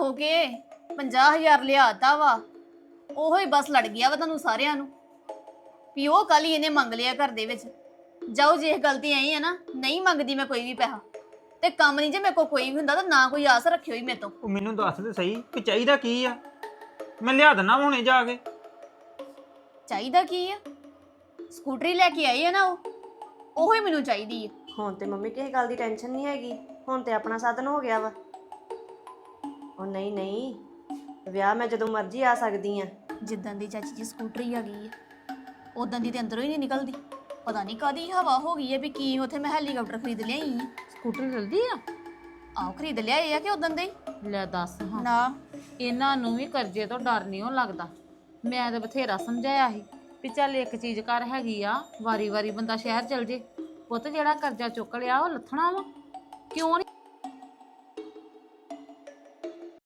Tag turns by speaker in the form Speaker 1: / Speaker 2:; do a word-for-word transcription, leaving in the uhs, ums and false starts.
Speaker 1: ਹੋ ਕੇ ਪੰਜਾਹ ਹਜ਼ਾਰ ਲਿਆਤਾ ਵਾ, ਉਹੋ ਹੀ ਬਸ ਲੜ ਗਿਆ ਵਾ ਤੁਹਾਨੂੰ ਸਾਰਿਆਂ ਨੂੰ ਵੀ ਉਹ ਕੱਲ ਹੀ ਇਹਨੇ ਮੰਗ ਲਿਆ ਘਰ ਦੇ ਵਿੱਚ। ਜਾਓ, ਜੇ ਇਹ ਗਲਤੀ ਆਈ ਹੈ ਨਾ, ਨਹੀਂ ਮੰਗਦੀ ਮੈਂ ਕੋਈ ਵੀ ਪੈਸਾ, ਤੇ ਕੰਮ ਨਹੀਂ ਜੇ ਮੇਰੇ ਕੋਲ ਕੋਈ ਵੀ ਹੁੰਦਾ ਤਾਂ ਨਾ ਕੋਈ ਆਸ ਰੱਖਿਓ ਹੀ ਮੇਰੇ ਤੋਂ।
Speaker 2: ਉਹ ਮੈਨੂੰ ਦੱਸ ਦੇ ਸਹੀ ਕਿ ਚਾਹੀਦਾ ਕੀ ਆ, ਮੈਂ ਲਿਆ ਦਿੰਦਾ ਹੁਣੇ ਜਾ ਕੇ।
Speaker 1: ਚਾਹੀਦਾ ਕੀ ਆ? ਸਕੂਟਰੀ ਲੈ ਕੇ ਆਈ ਹੈ ਨਾ, ਉਹ ਉਹੋ ਹੀ ਮੈਨੂੰ ਚਾਹੀਦੀ ਹੈ।
Speaker 3: ਹੁਣ ਤੇ ਮੰਮੀ ਕਿਸੇ ਗੱਲ ਦੀ ਟੈਨਸ਼ਨ ਨਹੀਂ ਹੈਗੀ, ਹੁਣ ਤੇ ਆਪਣਾ ਸਾਧਨ ਹੋ ਗਿਆ ਵਾ। ਉਹ ਨਹੀਂ ਨਹੀਂ, ਵਿਆਹ ਮੈਂ ਜਦੋਂ ਮਰਜ਼ੀ ਆ ਸਕਦੀ ਆ।
Speaker 1: ਜਿੱਦਾਂ ਦੀ ਚਾਚੀ ਜੀ ਸਕੂਟਰੀ ਆ ਗਈ ਹੈ, ਉਦਾਂ ਦੀ ਤੇ ਅੰਦਰੋਂ ਹੀ ਨਹੀਂ ਨਿਕਲਦੀ। ਪਤਾ ਨਹੀਂ ਕਾਦੀ ਹਵਾ ਹੋ ਗਈ ਹੈ ਵੀ ਕੀ ਉੱਥੇ ਮੈਂ ਹੈਲੀਕਾਪਟਰ ਖਰੀਦ ਲਿਆਈ ਆ।
Speaker 4: ਸਕੂਟਰ ਜਲਦੀ ਆ?
Speaker 1: ਆਹ ਖਰੀਦ ਲਿਆਏ ਆ ਕਿ ਉਦੋਂ ਦੇ ਹੀ
Speaker 4: ਲੈ ਦੱਸ ਹਾਂ,
Speaker 1: ਨਾ।
Speaker 4: ਇਹਨਾਂ ਨੂੰ ਵੀ ਕਰਜ਼ੇ ਤੋਂ ਡਰ ਨਹੀਂ ਉਹ ਲੱਗਦਾ। ਮੈਂ ਤਾਂ ਬਥੇਰਾ ਸਮਝਾਇਆ ਸੀ ਵੀ ਚੱਲ ਇੱਕ ਚੀਜ਼ ਕਰ ਹੈਗੀ ਆ, ਵਾਰੀ ਵਾਰੀ ਬੰਦਾ ਸ਼ਹਿਰ ਚਲ ਜੇ। ਪੁੱਤ ਜਿਹੜਾ ਕਰਜ਼ਾ ਚੁੱਕ ਲਿਆ ਉਹ ਲੱਥਣਾ ਵਾ, ਕਿਉਂ ਨਹੀਂ